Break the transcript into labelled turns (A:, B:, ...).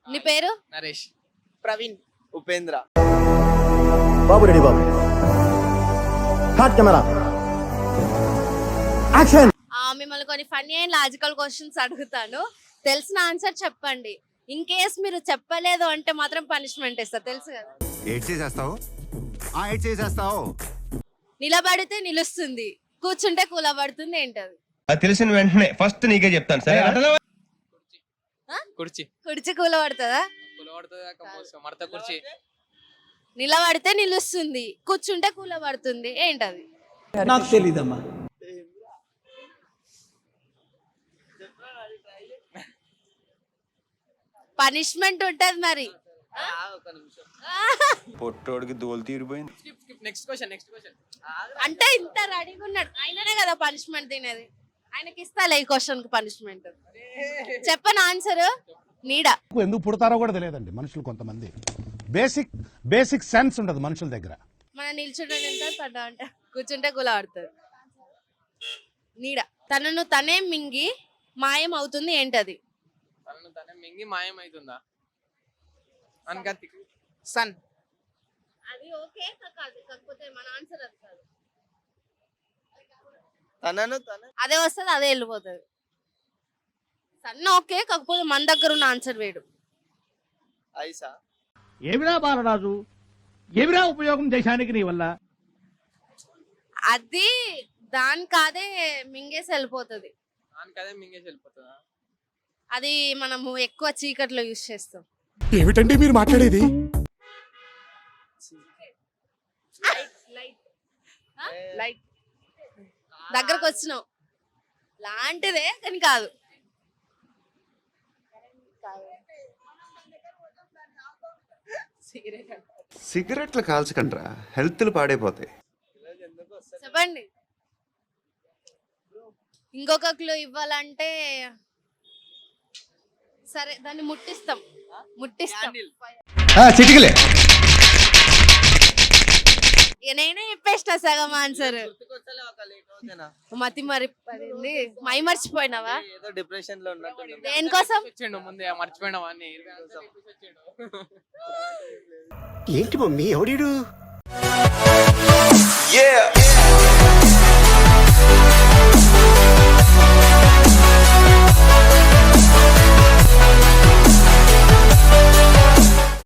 A: నీ పేరు?
B: నరేష్.
C: ప్రవీణ్.
D: ఉపేంద్ర.
E: బాబు రెడీ బాబు. హాట్ కెమెరా యాక్షన్.
A: మిమ్మల్ని కొన్ని ఫన్నీ అండ్ లాజికల్ క్వశ్చన్స్ అడుగుతాను, తెలిసిన ఆన్సర్ చెప్పండి. ఇన్ కేస్ మీరు చెప్పలేదు అంటే మాత్రం పనిష్మెంట్ ఇస్తా, తెలుసు కదా. నిలబడితే నిలుస్తుంది, కూర్చుంటే కూలబడుతుంది, ఏంటది?
F: తెలిసిన వెంటనే ఫస్ట్ నీకే చెప్తాను సరే.
B: కుర్చీ.
A: కుర్చీ కూలబడుతుందా?
B: మడత కుర్చీ.
A: నిలబడితే నిలుస్తుంది, కూర్చుంటే కూలబడుతుంది, ఏంటది?
C: నాకు తెలీదమ్మా.
A: పనిష్మెంట్ ఉంటది మరి.
F: పొట్టోడికి దోలు తీరిపోయింది.
B: Next question.
A: అంటే ఇంత రెడీగా ఉన్నాడు, ఆయననే కదా పనిష్మెంట్ తినేది. ఆయనకి ఇస్తాలే ఈ క్వశ్చన్ కి పనిష్మెంట్. చెప్పను ఆన్సర్. నీడ.
G: ఎందుకు పుడతారో కూడా తెలియదండి మనుషులు, కొంతమంది బేసిక్ సెన్స్ ఉండదు మనుషుల దగ్గర.
A: మన నిల్చుంటే పడ్డా అంటే కూర్చుంటే కూలబడుతుంది. నీడ. తనను తనే మింగి మాయం అవుతుంది, ఏంటది?
B: తనను తనే మింగి మాయం అవుతుందా? అనగతి.
C: సన్.
A: అది ఓకే కాకపోతే మన ఆన్సర్ అది కాదు.
D: తనను తన
A: అదే వస్తుంది, అదే వెళ్ళిపోతుంది. సన్న ఓకే కాకపోతే మన దగ్గర ఉన్న ఆన్సర్ వేడు.
D: ఐసా.
G: ఏమిరా బాలరాజు, ఏమిరా ఉపయోగం దేశానికి నీ వల్ల?
A: అది దానికదే మింగేసి వెళ్ళిపోతుంది.
B: దానికదే మింగేసి వెళ్ళిపోతుందా?
A: అది మనము ఎక్కువ చీకట్లో యూజ్ చేస్తాం.
G: ఏమిటండి మీరు మాట్లాడేది?
A: లైట్. దగ్గరకు వచ్చినావు లాంటిదే కానీ కాదు.
H: సిగరెట్లు కాల్చకండ్రా, హెల్త్లు పాడైపోతాయి.
A: చెప్పండి. ఇంకొక క్లూ ఇవ్వాలంటే సరే, దాన్ని ముట్టిస్తాం.
G: చిటికలే.
A: నేనే చెప్పేసిన సగం ఆన్సర్. మతి మరి మై మర్చిపోయినావా?
D: ఏదో డిప్రెషన్ లో ఉన్నట్టు.
A: దేనికోసం
B: వచ్చిండు ముందే మర్చిపోయినావా అని.
E: ఏంటి మమ్మీ ఎవడీడు?
D: Yeah.